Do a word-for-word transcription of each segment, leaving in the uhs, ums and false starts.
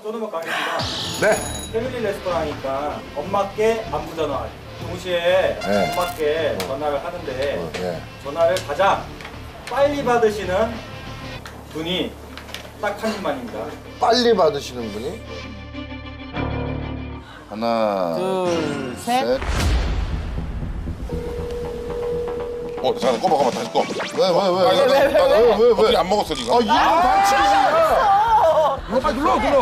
끊어먹 가겠습니다. 네. 패밀리 레스토랑이니까 엄마께 안부 전화. 동시에 네. 엄마께 전화를 하는데 어, 네. 전화를 가장 빨리 받으시는 분이 딱 한 분만입니다. 빨리 받으시는 분이? 하나, 둘, 셋. 셋. 어, 잠깐 꺼봐, 꺼봐, 다시 꺼. 왜, 왜, 왜, 아, 왜, 나, 왜, 나, 나, 왜, 왜, 왜? 어떻게 안 먹었어, 이거? 아, 이거 반칙이야. 빨리 눌러 눌러.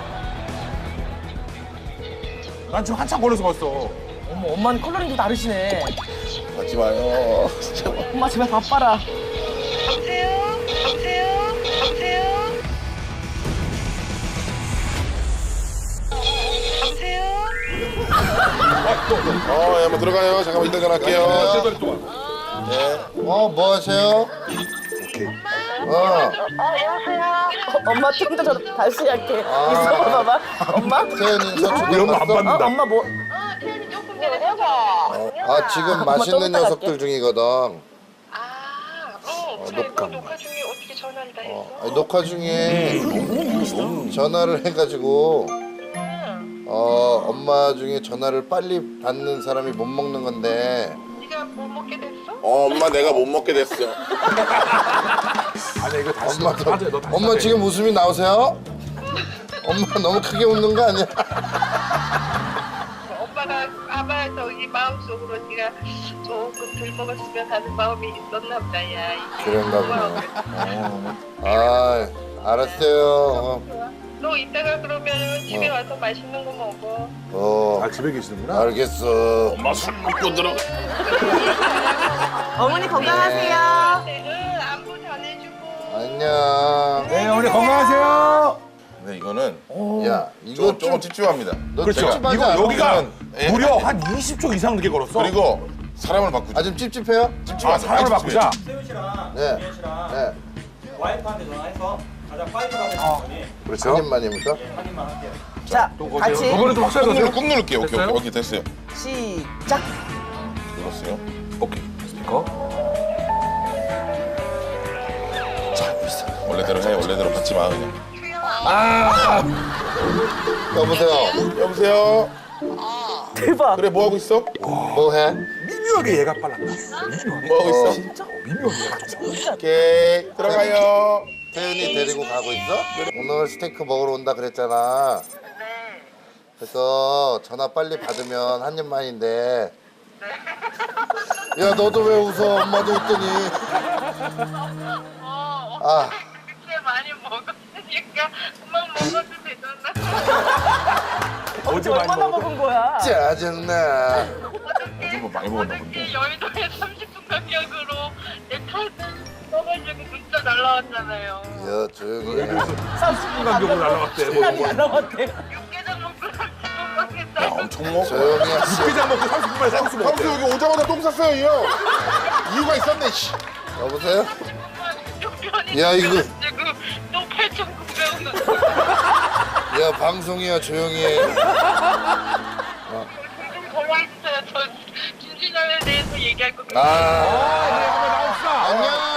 난 지금 한참 걸려서 봤어. 어머, 엄마는 컬러링도 다르시네. 하지 마요. 진짜. 엄마 제발 바빠라. 여보세요? 여보세요? 여보세요? 여보세요? 어, 예, 한번 들어가요. 잠깐만 이따 전화할게요. 제발 또 와. 어, 뭐 하세요? 어, 어, 여보세요? 어, 엄마 좀 더 다시 할게. 있어봐봐. 엄마? 태연이 사촌 이런 거 안 봤어? 어, 받는다. 엄마 뭐? 어, 태연이 조금 전에 해봐. 아, 지금 맛있는 또 녀석들 중이거든. 아, 어, 그래. 너 녹화 중에 어떻게 전화를 다 했어? 아니, 녹화 중에 전화를 해가지고 어 엄마 중에 전화를 빨리 받는 사람이 못 먹는 건데 네가 뭐 먹게 됐어? 어, 엄마 내가 못 먹게 됐어. 아니 이거 다시 엄마 너 다시 너 다시 엄마 다시. 지금 웃음이 나오세요? 엄마 너무 크게 웃는 거 아니야? 오빠가 아마도 이 마음속으로 네가 조금 덜 먹었으면 하는 마음이 있었나 보다, 야. 그런가 보네. 아 알았어요. 어, 너 이따가 그러면 집에 와서 맛있는 거 먹어. 어 아 집에 계시는구나. 알겠어. 엄마 술 먹고 들어. 어머니 건강하세요. 네, 응, 안부 전해주고. 안녕. 네 어머니 건강하세요. 네, 이거는 야 이거 이거 조금 좀 찝찝합니다. 너 그렇죠. 찝찝하지 이거 않아? 여기가 예. 무려 한 이십 초 이상 늦게 걸었어. 그리고 사람을 바꾸자. 아 좀 찝찝해요? 아 사람을 바꾸자. 세훈 씨랑 네. 김현 씨랑 네. 와이프한테 전화해서 가장 빨리 받으시는 분이 그렇죠. 한 입만입니까? 한 입만 할게요. 자, 같이 이번에 좀 확실하게 꾹, 누르, 하세요. 꾹 누를게요. 오케이, 됐어요? 오케이, 오케이, 됐어요. 시작. 눌렀어요. 오케이 스피커. 원래대로 해, 원래대로 받지 마, 그냥. 여보세요. 여보세요? 대박. 그래, 뭐 하고 있어? 뭐 해? 미묘하게 얘가 빨랐다. 뭐 하고 있어? 진짜 미묘하게 얘가 좀. 오케이, 들어가요. 태윤이 데리고 가고 있어? 오늘 스테이크 먹으러 온다 그랬잖아. 그래서 전화 빨리 받으면 한 입만인데. 야 너도 왜 웃어? 엄마도 웃더니. 어, 아 그렇게 많이 먹었으니까 그만 먹어도 되잖아. 어제 얼마나 많이 먹었 먹은 거야? 짜증나. 요즘 뭐 많이 먹었나 본데. 어저께 여의도에 삼십 분 간격으로 내 카드 써가지고 문자 날라왔잖아요. 야 조용히 해. 삼십 분 간격으로 날라갔대. 시간이 날라갔대. 육개장 먹고 삼십 분 야, 먹겠다. 엄청 먹어. 조용히 해. 육개장 먹고 삼십 분 만에 삼십 분 형수 먹었대. 여기 오자마자 똥 쌌어요, 이 형. 이유가 있었네, 씨. 여보세요? 편히 야, 이거- 지금 또 팔천구백 원. 야 방송이야 조용히 해. 좀 전화해주세요. 저 김진영에 대해서 얘기할 거. 아 아, 안녕.